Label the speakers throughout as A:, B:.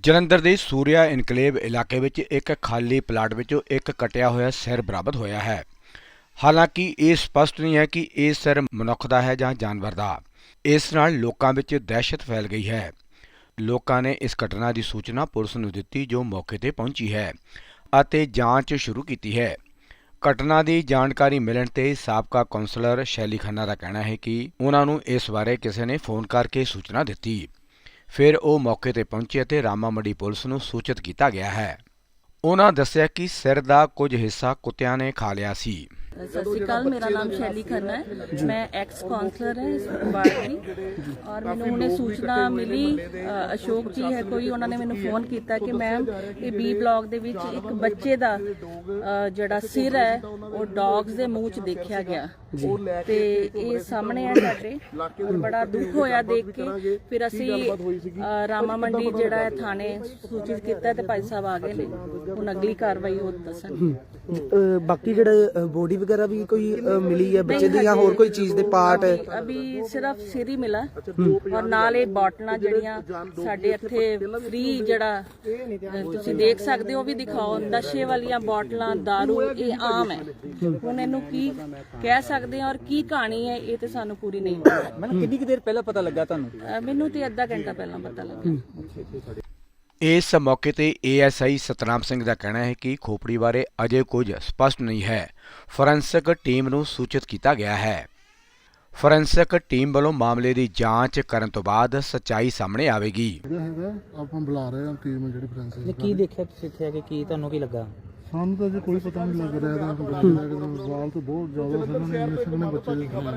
A: ਜਲੰਧਰ ਦੇ ਸੂਰਿਆ ਇਨਕਲੇਵ ਇਲਾਕੇ ਵਿੱਚ ਇੱਕ ਖਾਲੀ ਪਲਾਟ ਵਿੱਚੋਂ ਇੱਕ ਕਟਿਆ ਹੋਇਆ ਸਿਰ ਬਰਾਮਦ ਹੋਇਆ ਹੈ। ਹਾਲਾਂਕਿ ਇਹ ਸਪਸ਼ਟ ਨਹੀਂ ਹੈ ਕਿ ਇਹ ਸਿਰ ਮਨੁੱਖ ਦਾ ਹੈ ਜਾਂ ਜਾਨਵਰ ਦਾ। ਇਸ ਨਾਲ ਲੋਕਾਂ ਵਿੱਚ ਦਹਿਸ਼ਤ ਫੈਲ ਗਈ ਹੈ। ਲੋਕਾਂ ਨੇ ਇਸ ਘਟਨਾ ਦੀ ਸੂਚਨਾ ਪੁਲਿਸ ਨੂੰ ਦਿੱਤੀ, ਜੋ ਮੌਕੇ ਤੇ ਪਹੁੰਚੀ ਹੈ ਅਤੇ ਜਾਂਚ ਸ਼ੁਰੂ ਕੀਤੀ ਹੈ। ਘਟਨਾ ਦੀ ਜਾਣਕਾਰੀ ਮਿਲਣ ਤੇ ਸਾਬਕਾ ਕੌਂਸਲਰ ਸ਼ੈਲੀ ਖੰਨਾ ਦਾ ਕਹਿਣਾ ਹੈ ਕਿ ਉਹਨਾਂ ਨੂੰ ਇਸ ਬਾਰੇ ਕਿਸੇ ਨੇ ਫੋਨ ਕਰਕੇ ਸੂਚਨਾ ਦਿੱਤੀ। ਫਿਰ ਉਹ ਮੌਕੇ ਤੇ ਪਹੁੰਚੇ ਅਤੇ ਰਾਮਾ ਮੰਡੀ ਪੁਲਿਸ ਨੂੰ ਸੂਚਿਤ ਕੀਤਾ ਗਿਆ ਹੈ। ਉਹਨਾਂ ਦੱਸਿਆ ਕਿ ਸਿਰ ਦਾ ਕੁਝ ਹਿੱਸਾ ਕੁੱਤਿਆਂ ਨੇ ਖਾ ਲਿਆ ਸੀ।
B: सत श्रीकाल, मेरा नाम शैली खन्ना है। मैं एक्स काउंसलर है इस वार्ड की और मैंने उन्हें सूचना मिली, अशोक जी है कोई, उन्होंने मैंने फोन किया कि मैम ये बी ब्लॉक दे विच एक बच्चे दा जड़ा सिर है वो डॉग्स दे मूँह च देखा गया ते ये सामने है साडे और बड़ा दुख होया देख के। फिर असी रामा मंडी जड़ा है थाने सूचित किया ते भाई साहब आ गए ने, हुण अगली कार्रवाई हो दसन।
C: बाकी जड़ा बॉडी वगैरह भी कोई मिली है बच्चे दी या होर कोई चीज दे पार्ट?
B: अभी सिर्फ सिर ही मिला और नाल ये बोटलां जड़ियां साडे इत्थे फ्री जड़ा तुसीं देख सकदे हो भी दिखाओ, नशे वालियां बोटलां दारू ये आम है। हुण इहनूं की कह सकदे हैं और की कहानी है ये ते सानूं पूरी नहीं पता।
C: मैनूं कितनी कि देर पहला पता लगा तुहानूं?
B: मैनूं ते अद्धा घंटा पहला पता लगा।
A: ਇਸ ਮੌਕੇ ਤੇ ASI ਸਤਨਾਮ ਸਿੰਘ ਦਾ ਕਹਿਣਾ ਹੈ ਕਿ ਖੋਪੜੀ ਬਾਰੇ ਅਜੇ ਕੁਝ ਸਪਸ਼ਟ ਨਹੀਂ ਹੈ। ਫੋਰੈਂਸਿਕ ਟੀਮ ਨੂੰ ਸੂਚਿਤ ਕੀਤਾ ਗਿਆ ਹੈ। ਫੋਰੈਂਸਿਕ ਟੀਮ ਵੱਲੋਂ ਮਾਮਲੇ ਦੀ ਜਾਂਚ ਕਰਨ ਤੋਂ ਬਾਅਦ ਸੱਚਾਈ ਸਾਹਮਣੇ ਆਵੇਗੀ।
D: ਆਪਾਂ ਬੁਲਾ ਰਹੇ ਹਾਂ ਟੀਮ ਜਿਹੜੀ ਫੋਰੈਂਸਿਕ
C: ਨੇ ਕੀ ਦੇਖਿਆ ਤੁਸੀਂ ਇੱਥੇ ਆ ਕੇ, ਕੀ ਤੁਹਾਨੂੰ ਕੀ ਲੱਗਾ?
D: ਸਾਨੂੰ ਤਾਂ ਅਜੇ ਕੋਈ ਪਤਾ ਨਹੀਂ ਲੱਗ ਰਿਹਾ ਇਹਦਾ ਵਾਲ ਤਾਂ ਬਹੁਤ ਜ਼ਿਆਦਾ ਸਨ ਬੱਚੇ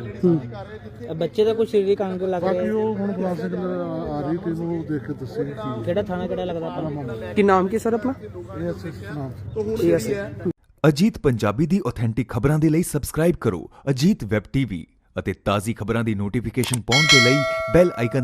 D: ਦੇ।
C: ਬੱਚੇ ਦਾ ਕੋਈ ਸਰੀਰਕ ਅੰਗ ਲੱਗ ਰਿਹਾ?
D: ਬਾਕੀ ਉਹ ਹੁਣ ਫੋਰੈਂਸਿਕ ਆ ਰਹੀ ਟੀਮ ਉਹ ਦੇਖ ਕੇ ਦੱਸੇਗੀ
C: ਕਿਹੜਾ ਥਾਣਾ ਕਿਹੜਾ ਲੱਗਦਾ ਆਪਣਾ? ਕੀ ਨਾਮ ਕੀ ਸਰ ਆਪਣਾ?
D: ਇਹ
E: ਅਜੀਤ ਪੰਜਾਬੀ ਦੀ ਆਥੈਂਟਿਕ ਖਬਰਾਂ ਦੇ ਲਈ ਸਬਸਕ੍ਰਾਈਬ ਕਰੋ ਅਜੀਤ ਵੈਬ ਟੀਵੀ ਅਤੇ ਤਾਜ਼ੀ ਖਬਰਾਂ ਦੀ ਨੋਟੀਫਿਕੇਸ਼ਨ ਪਾਉਣ ਦੇ ਲਈ ਬੈਲ ਆਈਕਨ